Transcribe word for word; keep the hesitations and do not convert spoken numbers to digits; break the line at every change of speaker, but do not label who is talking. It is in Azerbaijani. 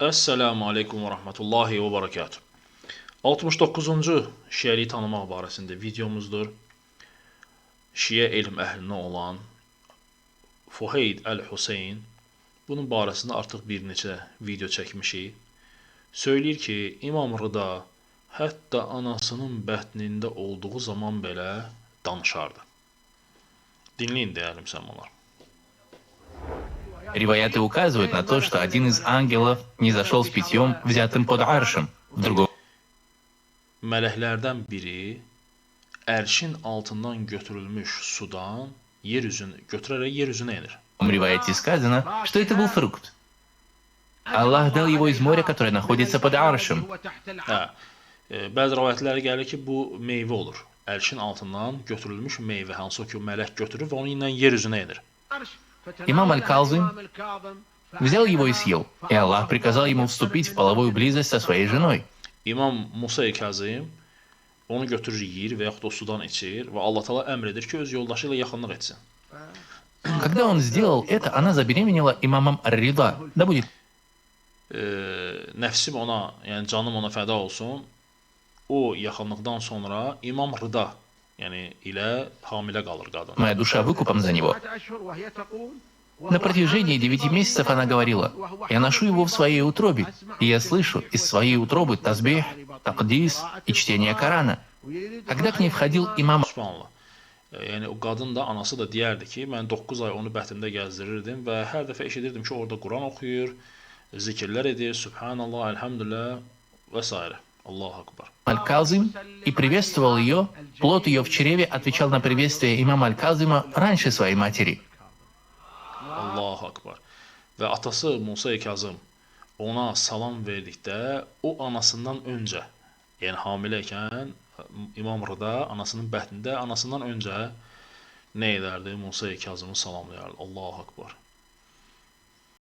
Esselamu Aleyküm və Rəhmətullahi və Barakatuh. altmış doqquzuncu Şiəliyi tanımaq barəsində videomuzdur. Şiə elm əhlinə olan Fuheyd Əl-Hüseyn bunun barəsində artıq bir neçə video çəkmişik. Söyləyir ki, İmam Rıda hətta anasının bətnində olduğu zaman belə danışardı. Dinləyin dəyərli müsəlmanlar.
Риваяты указывают на то, что один из ангелов не зашел с питьем, взятым под аршем. В другом
Mələklərdən biri ərşin altından götürülmüş sudan yer üzünü götürərək yer üzünə enir.
риваяте сказано, что это был фрукт. Аллах дал его из моря, которое находится под аршем.
Hə, e, bəzi rivayətlərə gəlir ki, bu meyvə olur. Ərşin altından götürülmüş meyvə, hansı ki, mələk götürür və onu ilə yer üzünə enir.
Имам Аль-Казым взял его и съел, и Аллах приказал ему вступить в половую близость со своей женой.
İmam Musa Kazım onu götürür, yeyir və yaxud o sudan içir və Allah Taala əmr edir ki, öz yoldaşı ilə yaxınlıq etsin.
Когда он сделал это, она забеременела имамом Ар-Рида. Да будет
E, nəfsim ona, yəni canım ona fəda olsun. O yaxınlıqdan sonra İmam Rıda, yəni ilə hamilə qalır qadın.
моя душа выкупом за него. На протяжении девяти месяцев она говорила: «Я ношу его в своей утробе, и я слышу из своей утробы тазбих, такдис и чтение Корана». Когда к ней входил имам
Subhanallah. Yəni o qadın da, anası da deyərdi ki, mən doqquz ay onu bətnimdə gəzdirirdim və hər dəfə eşidirdim ki, orada Quran oxuyur, zikirlər edir, Subhanallah, Elhamdülillah və s. Allahu Akbar.
Аль-Казым и приветствовал ее. Плод ее в чреве отвечал на приветствие имама Аль-Казыма раньше своей матери.
Allahu Akbar. Və atası Musa Kazım ona salam verdikdə o anasından öncə, yəni hamiləykən İmam Rıda anasının bətnində anasından öncə nə edərdi? Musa Kazımı salamlayardı. Allahu Akbar.